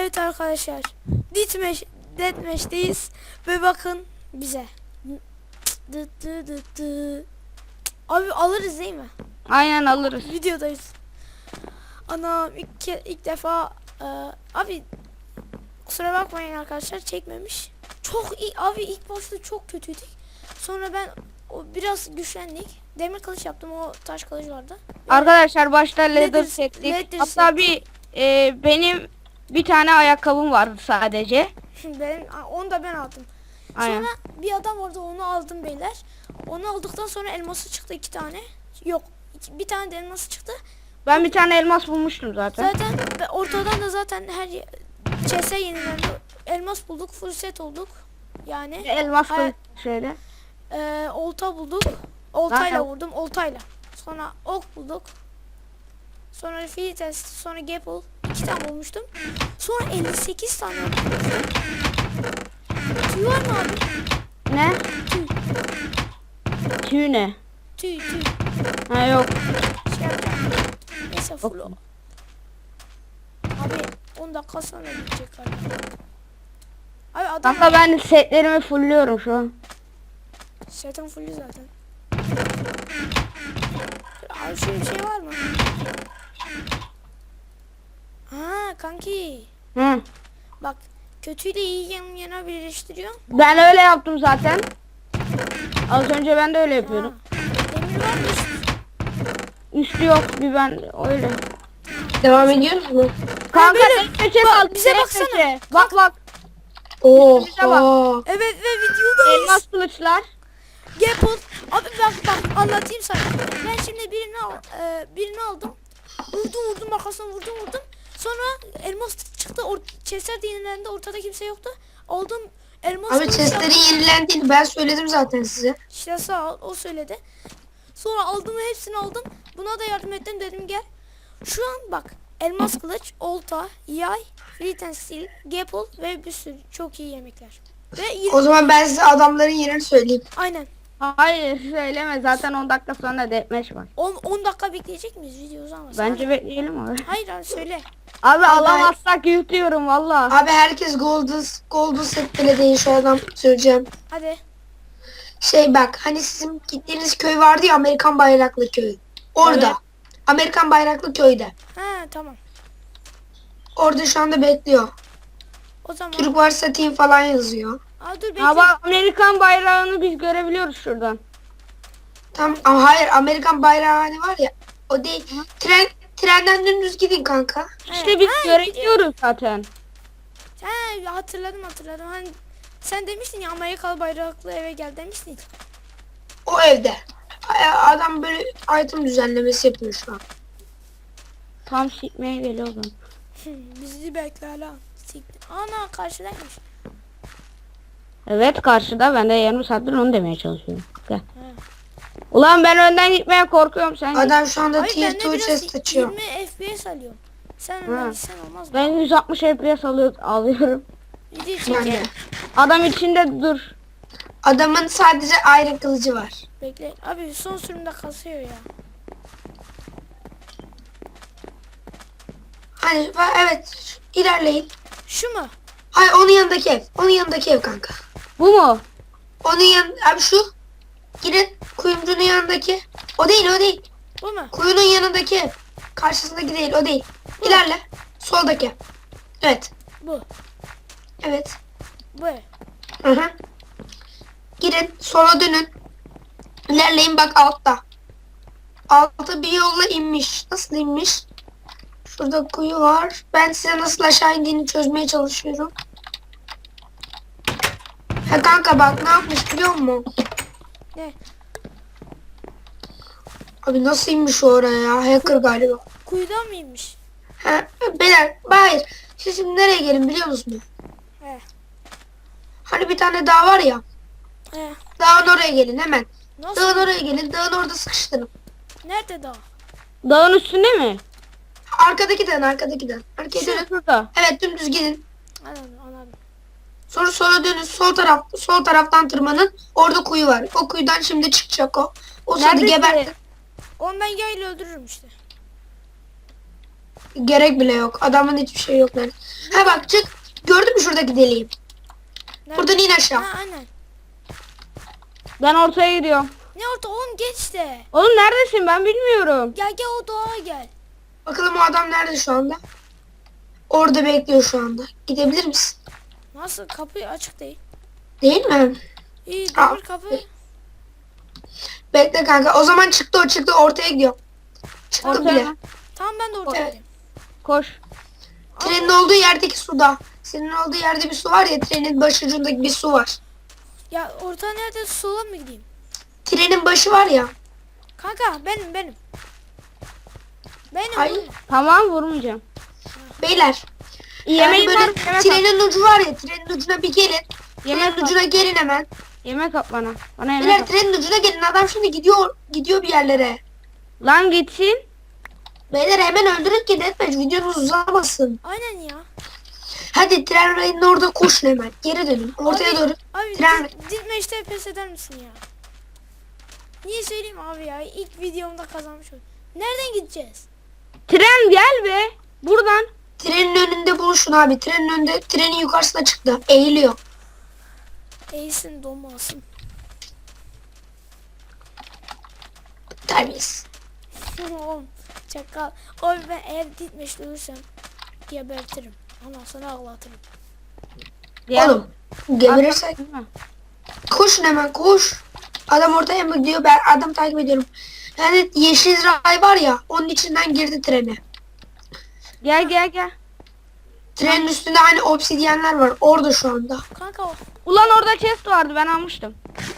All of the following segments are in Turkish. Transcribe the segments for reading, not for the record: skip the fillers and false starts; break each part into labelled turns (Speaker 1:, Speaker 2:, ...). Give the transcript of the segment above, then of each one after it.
Speaker 1: Evet arkadaşlar. Deathmatch'teyiz. Ve bakın bize. Abi alırız değil mi?
Speaker 2: Aynen alırız.
Speaker 1: Videodayız. Anam ilk defa abi kusura bakmayın arkadaşlar çekmemiş. Çok iyi abi, ilk başta çok kötüydük. Sonra ben biraz güçlendik. Demir kılıç yaptım, o taş kılıç vardı.
Speaker 2: Arkadaşlar başta leather
Speaker 1: Leather
Speaker 2: çektik. Hatta benim bir tane ayakkabım vardı sadece.
Speaker 1: Onu da ben aldım.
Speaker 2: Aynen.
Speaker 1: Sonra bir adam vardı, onu aldım beyler. Onu aldıktan sonra elması çıktı 2 tane. Yok, bir tane de elması çıktı.
Speaker 2: Ben bir tane elmas bulmuştum zaten.
Speaker 1: Zaten ortadan da zaten her CS yenilendi. Elmas bulduk, full set olduk. Yani
Speaker 2: Elmas koyduk şöyle.
Speaker 1: olta bulduk. Oltayla
Speaker 2: Aynen.
Speaker 1: vurdum, oltayla. Sonra ok bulduk. Sonra fiil test, sonra gapple. 2 tane bulmuştum. Sonra 58 tane bulmuştum. Tüy var mı abi?
Speaker 2: Ne?
Speaker 1: Tüy.
Speaker 2: Tüy ne?
Speaker 1: Tüy.
Speaker 2: Ha yok.
Speaker 1: Şey yapacağım. Neyse full o. Abi 10 dakika sonra bitecek galiba. Abi adam
Speaker 2: Hatta ben setlerimi fullüyorum şu an.
Speaker 1: setin fullü zaten. Abi şöyle bir şey var mı? Ha kanki.
Speaker 2: Hı.
Speaker 1: Bak, kötüyle iyi yan yana birleştiriyor.
Speaker 2: Ben öyle yaptım zaten. Az önce ben de öyle yapıyordum.
Speaker 1: Demir var mı?
Speaker 2: Üstü yok bir ben öyle.
Speaker 3: Devam ediyoruz mu?
Speaker 2: Kanka
Speaker 1: böyle-
Speaker 2: peçe
Speaker 1: bak,
Speaker 2: kaldı.
Speaker 1: bize
Speaker 2: tek
Speaker 1: baksana.
Speaker 2: peçe. Bak.
Speaker 3: Oha.
Speaker 1: Evet ve videodayız.
Speaker 2: Elmas kılıçlar.
Speaker 1: Gapple. Abi bak anlatayım sana. Ben şimdi birini aldım. Vurdum arkasına vurdum. Sonra elmas çıktı. Chestler de yenilendi. Ortada kimse yoktu. Aldım elmas.
Speaker 3: Abi
Speaker 1: kılıç
Speaker 3: chestleri
Speaker 1: yaptım.
Speaker 3: yenilendi. Ben söyledim zaten size.
Speaker 1: İşte sağ ol, o söyledi. Sonra aldım ve hepsini aldım. Buna da yardım ettim, dedim gel. Şu an bak, elmas kılıç, olta, yay, flint and steel, gapple ve bir sürü çok iyi yemekler. Ve
Speaker 3: O zaman ben size adamların yerini söyleyeyim.
Speaker 1: aynen.
Speaker 2: Hayır söyleme zaten 10 dakika sonra deathmatch var.
Speaker 1: 10 dakika bekleyecek miyiz video uzamasın?
Speaker 2: Bence bekleyelim abi.
Speaker 1: Hayır abi söyle.
Speaker 2: Abi alamazsak yutuyorum valla.
Speaker 3: Abi herkes golden set bile değil, şu adam söyleyeceğim.
Speaker 1: Hadi.
Speaker 3: Şey bak, hani sizin gittiğiniz köy vardı ya, Amerikan bayraklı köy. Orada.
Speaker 2: Evet.
Speaker 3: Amerikan bayraklı köyde.
Speaker 1: Ha tamam.
Speaker 3: Orada şu anda bekliyor.
Speaker 1: O zaman.
Speaker 3: Türk varsa team falan yazıyor.
Speaker 1: Aa, dur bekle.
Speaker 2: Ama Amerikan bayrağını biz görebiliyoruz şuradan.
Speaker 3: Tam ama hayır, Amerikan bayrağı hani var ya, o değil. Trenden dümdüz gidin kanka.
Speaker 2: İşte biz görebiliyoruz zaten.
Speaker 1: Ha, hatırladım. Hani sen demiştin ya, Amerikalı bayraklı eve gel demiştin.
Speaker 3: O evde. Adam böyle item düzenlemesi yapıyor şu an.
Speaker 2: Tam sikmeye geliyordum.
Speaker 1: Bizi bekle hala. Ana karşıdaymış.
Speaker 2: Evet karşıda, ben de yarım saattir onu demeye çalışıyorum. Gel. Ulan ben önden gitmeye korkuyorum, sen git.
Speaker 3: Adam şu anda
Speaker 1: Hayır,
Speaker 3: tier
Speaker 1: ben
Speaker 3: 2
Speaker 1: de biraz
Speaker 3: chest açıyor.
Speaker 1: 20 FPS alıyorum. Sen
Speaker 2: Ha.
Speaker 1: önden gitsen olmaz mı?
Speaker 2: Ben 160 FPS alıyorum.
Speaker 1: Video
Speaker 3: Ben de.
Speaker 1: çekelim.
Speaker 2: Adam içinde dur.
Speaker 3: Adamın sadece iron kılıcı var.
Speaker 1: Bekle. Abi son sürümde kasıyor ya.
Speaker 3: Hani evet, ilerleyin.
Speaker 1: Şu mu?
Speaker 3: Hayır, onun yanındaki ev. Onun yanındaki ev kanka.
Speaker 2: Bu mu?
Speaker 3: Onun abi şu. Girin kuyumcunun yanındaki. O değil.
Speaker 1: Bu mu?
Speaker 3: Kuyunun yanındaki ev. Karşısındaki değil, o değil. İlerle. Soldaki. Evet.
Speaker 1: Bu.
Speaker 3: Evet.
Speaker 1: Bu.
Speaker 3: Hı hı. Girin, sola dönün. İlerleyin, bak altta. Altta bir yolla inmiş. Nasıl inmiş? Şurada kuyu var. Ben size nasıl aşağı indiğini çözmeye çalışıyorum. Ha kanka bak ne yapmış biliyor musun?
Speaker 1: Ne?
Speaker 3: Abi nasıl inmiş oraya ya? Hacker galiba.
Speaker 1: Kuyudan mıymış?
Speaker 3: Ha, beyler, hayır. Siz şimdi nereye gelin biliyor musunuz?
Speaker 1: He.
Speaker 3: Hani bir tane dağ var ya.
Speaker 1: He.
Speaker 3: Dağın oraya gelin hemen.
Speaker 1: Nasıl?
Speaker 3: Dağın oraya gelin. Dağın orada sıkıştırın.
Speaker 1: Nerede dağ?
Speaker 2: Dağın üstünde mi?
Speaker 3: Arkadaki dağın. Arkaya dönün.
Speaker 2: Şurada.
Speaker 3: Evet, dümdüz gidin.
Speaker 1: Anladım.
Speaker 3: Sonra sola dönün. Sol taraftan tırmanın. Orada kuyu var. O kuyudan şimdi çıkacak o. O sırada
Speaker 2: Neredesin?
Speaker 3: gebertin.
Speaker 1: Ondan yayla öldürürüm işte.
Speaker 3: Gerek bile yok. Adamın hiçbir şey yok lan. Ha bak çık. Gördün mü şuradaki deliği?
Speaker 1: Nerede?
Speaker 3: Buradan in aşağı.
Speaker 1: Ha aynen.
Speaker 2: Ben ortaya gidiyorum.
Speaker 1: Ne orta oğlum geç de.
Speaker 2: Oğlum neredesin ben bilmiyorum.
Speaker 1: Gel gel o dağa gel.
Speaker 3: Bakalım o adam nerede şu anda? Orada bekliyor şu anda. Gidebilir misin?
Speaker 1: Nasıl kapı açık değil.
Speaker 3: Değil mi?
Speaker 1: İyi
Speaker 3: Aa.
Speaker 1: demir kapı.
Speaker 3: Bekle kanka. O zaman çıktı o çıktı. Ortaya gidiyor. Çıktı
Speaker 2: Ortaya
Speaker 3: bile.
Speaker 2: mı?
Speaker 1: Tamam ben de ortaya
Speaker 3: Evet.
Speaker 1: gideyim.
Speaker 2: Koş.
Speaker 3: Trenin olduğu yerdeki suda. Senin olduğu yerde bir su var ya. Trenin başucundaki bir su var.
Speaker 1: Ya orta nerede sola mı gideyim?
Speaker 3: Trenin başı var ya.
Speaker 1: Kanka benim. Benim.
Speaker 3: Hayır.
Speaker 1: benim.
Speaker 3: Tamam.
Speaker 2: Tamam vurmayacağım.
Speaker 3: Beyler.
Speaker 2: Yemeğim
Speaker 3: böyle
Speaker 2: var. Yemek at.
Speaker 3: trenin ucu var ya. Trenin ucuna bir gelin.
Speaker 2: Yemek
Speaker 3: Trenin
Speaker 2: at.
Speaker 3: ucuna gelin hemen.
Speaker 2: Yemek at bana. Bana yemek
Speaker 3: Beyler
Speaker 2: at.
Speaker 3: trenin ucuna gelin. Adam şimdi gidiyor bir yerlere.
Speaker 2: Lan gitsin.
Speaker 3: Beyler hemen öldürün ki Deathmatch videonuz uzamasın.
Speaker 1: Aynen ya.
Speaker 3: Hadi tren rayının orada koşun hemen. Geri dönün. Ortaya doğru.
Speaker 1: Abi
Speaker 3: Tren.
Speaker 1: Dilme işte pes eder misin ya? Niye söyleyeyim abi ya? İlk videomda kazanmış oldum. Nereden gideceğiz?
Speaker 2: Tren gel be. Buradan.
Speaker 3: Trenin önünde buluşun abi. Trenin önünde, trenin yukarısına çıktı. Eğiliyor.
Speaker 1: Eğilsin donmasın.
Speaker 3: Terbiyesiz.
Speaker 1: Oğlum çakal. Oğlum ben eğer Dilmeş'le ölürsem gebertirim. Ondan sonra ağlatırım.
Speaker 2: Gel.
Speaker 3: Oğlum geberirsek koşun hemen koş. Adam ortaya mı gidiyor? Ben adam takip ediyorum. Yani yeşil ray var ya onun içinden girdi trene.
Speaker 2: Gel.
Speaker 3: Trenin üstünde hani obsidyenler var. Orada şu anda.
Speaker 1: Kanka o.
Speaker 2: Ulan orada chest vardı ben almıştım.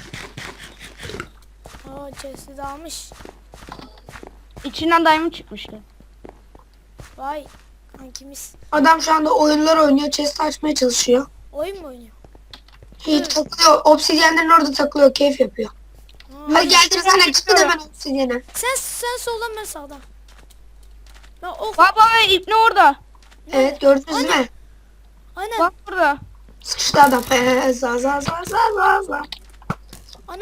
Speaker 1: Aa chest'i de almış.
Speaker 2: İçinden diamond çıkmıştı.
Speaker 1: Vay kankimiz.
Speaker 3: Adam şu anda oyunlar oynuyor. Chest açmaya çalışıyor.
Speaker 1: Oyun mu oynuyor?
Speaker 3: Hiç takılıyor. Obsidyenlerin orada takılıyor. Keyif yapıyor.
Speaker 1: Aa,
Speaker 3: Hadi geldiniz hemen çıkın hemen obsidyene.
Speaker 1: sen soldan ben sağdan. Ben ok.
Speaker 2: Baba ve ipne orada.
Speaker 3: Evet gördünüz mü?
Speaker 1: Aynen.
Speaker 2: Bak burada.
Speaker 3: Sıkıştı adam. Za.
Speaker 1: Ana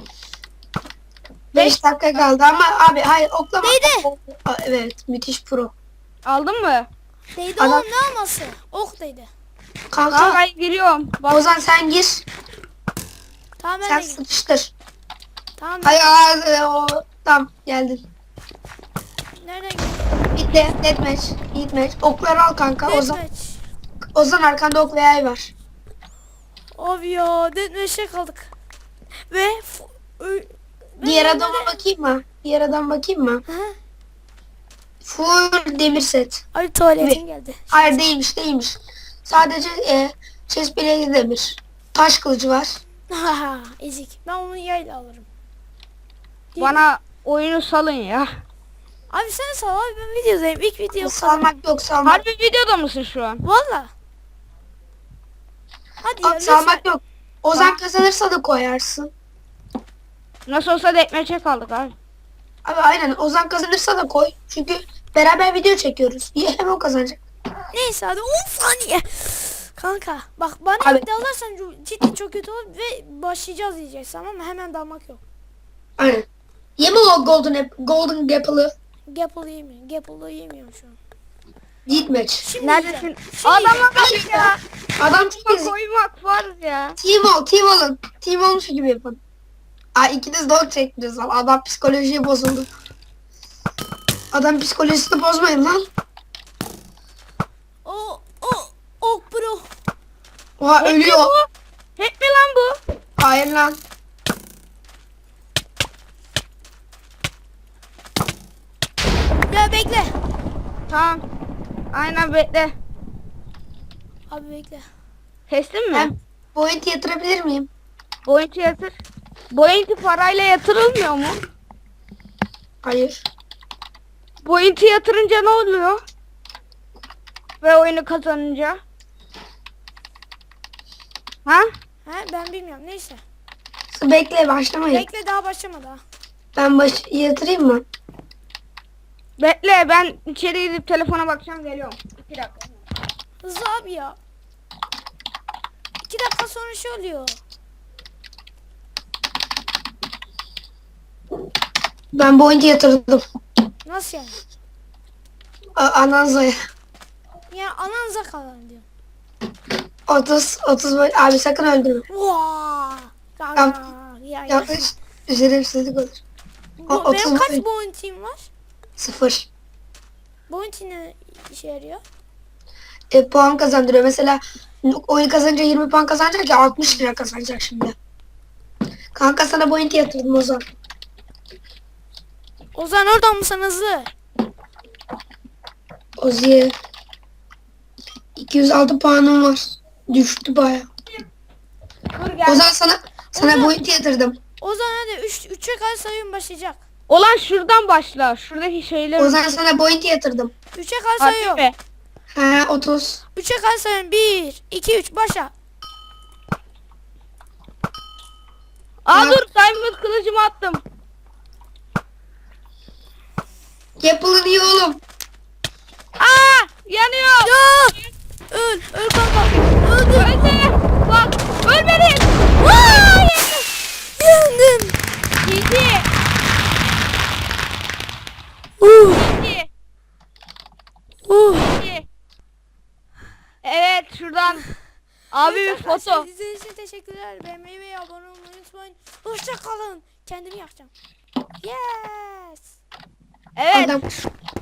Speaker 3: 5 dakika kaldı ama abi hayır oklama.
Speaker 1: Değdi.
Speaker 3: Aa, evet müthiş pro.
Speaker 2: Aldın mı?
Speaker 1: değdi
Speaker 3: Ana-
Speaker 1: oğlum ne alması? Ok değdi.
Speaker 3: Kanka
Speaker 2: Tamam ben giriyorum. Bak.
Speaker 3: Ozan sen gir.
Speaker 1: Tamam ben
Speaker 3: Sen
Speaker 1: de gideyim.
Speaker 3: sıkıştır.
Speaker 1: Tamam
Speaker 3: Hayır tamam geldin.
Speaker 1: nereden gidiyorsun?
Speaker 3: Bitti. Deathmatch. Okları al kanka.
Speaker 1: Deathmatch.
Speaker 3: Ozan arkanda ok ve yay var.
Speaker 1: Abi ya deathmatch'e kaldık. Ve ben
Speaker 3: Diğer
Speaker 1: normalde-
Speaker 3: adama bakayım mı? Diğer adam bakayım mı?
Speaker 1: Hı?
Speaker 3: Full demir set.
Speaker 1: Ay tuvaletin geldi.
Speaker 3: Hayır değilmiş. Sadece chest bileği demir. Taş kılıcı var.
Speaker 1: Haha ezik. Ben onu yayla alırım.
Speaker 2: Bana oyunu salın ya.
Speaker 1: Abi sen sal abi ben videodayım. İlk video
Speaker 3: Salmak yok salmak.
Speaker 2: Harbi videoda mısın şu an?
Speaker 1: Valla. Hadi ya
Speaker 3: Abi,
Speaker 1: lütfen.
Speaker 3: salmak yok. Ozan kazanırsa da koyarsın.
Speaker 2: Nasıl olsa deathmatch'e kaldık abi.
Speaker 3: Abi aynen Ozan kazanırsa da koy. Çünkü beraber video çekiyoruz. Hem o kazanacak.
Speaker 1: Neyse hadi 10 saniye. Kanka bak bana
Speaker 3: Abi.
Speaker 1: bir dalarsan cidden çok kötü olur ve başlayacağız diyeceksin ama hemen dalmak yok.
Speaker 3: Aynen. Yeme o golden apple'ı.
Speaker 1: Gapple yemiyorum. Gapple'ı yemiyorum şu an.
Speaker 3: Deathmatch.
Speaker 1: Şimdi
Speaker 2: Neredesin?
Speaker 1: yiyeceğim. Şimdi
Speaker 2: Adama
Speaker 1: yiyeceğim.
Speaker 2: bak ya.
Speaker 3: Adam çok ezik.
Speaker 2: Koymak var ya.
Speaker 3: Team olun. Team olmuş gibi yapın. Ay ikiniz de ok çektiniz lan. Adam psikolojiye bozuldu. Adam psikolojisini bozmayın lan.
Speaker 1: O bro.
Speaker 3: Oha
Speaker 2: Hep mi
Speaker 3: ölüyor.
Speaker 2: bu? Hep mi lan bu?
Speaker 3: Hayır lan.
Speaker 1: Ya bekle.
Speaker 2: Tamam. Aynen bekle.
Speaker 1: Abi bekle.
Speaker 2: Kestin mi?
Speaker 3: Ben point yatırabilir miyim?
Speaker 2: Boyunti yatır. Boyunti parayla yatırılmıyor mu?
Speaker 3: Hayır.
Speaker 2: Boyunti yatırınca ne oluyor? Ve oyunu kazanınca? Ha?
Speaker 1: He ben bilmiyorum neyse.
Speaker 3: Bekle başlamayın.
Speaker 1: Bekle daha başlamadı ha.
Speaker 3: Ben yatırayım mı?
Speaker 2: Bekle ben içeri gidip telefona bakacağım geliyorum. 2 dakika.
Speaker 1: Hızlı abi ya. 2 dakika sonra şey oluyor.
Speaker 3: Ben point yatırdım.
Speaker 1: Nasıl yani?
Speaker 3: Ananzaya.
Speaker 1: Yani ananıza kalın diyor.
Speaker 3: 30 abi sakın öldürme.
Speaker 1: Vaa. Ya.
Speaker 3: Yanlış şerefsizlik olur.
Speaker 1: Benim
Speaker 3: 30
Speaker 1: kaç bounty'm var?
Speaker 3: 0.
Speaker 1: Bounty ne işe yarıyor?
Speaker 3: Puan kazandırıyor. Mesela oyun kazanınca 20 puan kazanacak ya 60 lira kazanacak şimdi. Kanka sana bounty yatırdım Ozan.
Speaker 1: Ozan oradan mısın hızlı?
Speaker 3: Ozi'ye 206 puanım var. Düştü baya.
Speaker 2: Dur gel.
Speaker 3: Ozan sana
Speaker 1: Ozan.
Speaker 3: bounty yatırdım.
Speaker 1: Ozan hadi 3'e kadar sayım başlayacak.
Speaker 2: Ulan şuradan başla. Şuradaki şeyler.
Speaker 3: Ozan sana bounty yatırdım.
Speaker 1: 3'e kadar
Speaker 2: Harbi
Speaker 1: sayıyorum.
Speaker 2: mi?
Speaker 3: He 30.
Speaker 1: 3'e kadar sayıyorum. 1, 2, 3 başla.
Speaker 2: Aa
Speaker 3: Bak.
Speaker 2: dur diamond kılıcımı attım.
Speaker 3: Yapılın iyi oğlum.
Speaker 2: Aa yanıyor.
Speaker 1: Ya! Öl kanka. Öldüm.
Speaker 2: Ölme. Bak ölmedin.
Speaker 1: Vaa! Yendim.
Speaker 2: Gitti.
Speaker 1: Uh,
Speaker 2: Gitti.
Speaker 1: uh.
Speaker 2: Gitti. Evet şuradan. Abi bir foto.
Speaker 1: İzlediğiniz için teşekkürler. Beğenmeyi ve abone olmayı unutmayın. Hoşça kalın. Kendimi yakacağım. Yes.
Speaker 2: Evet.
Speaker 3: Adam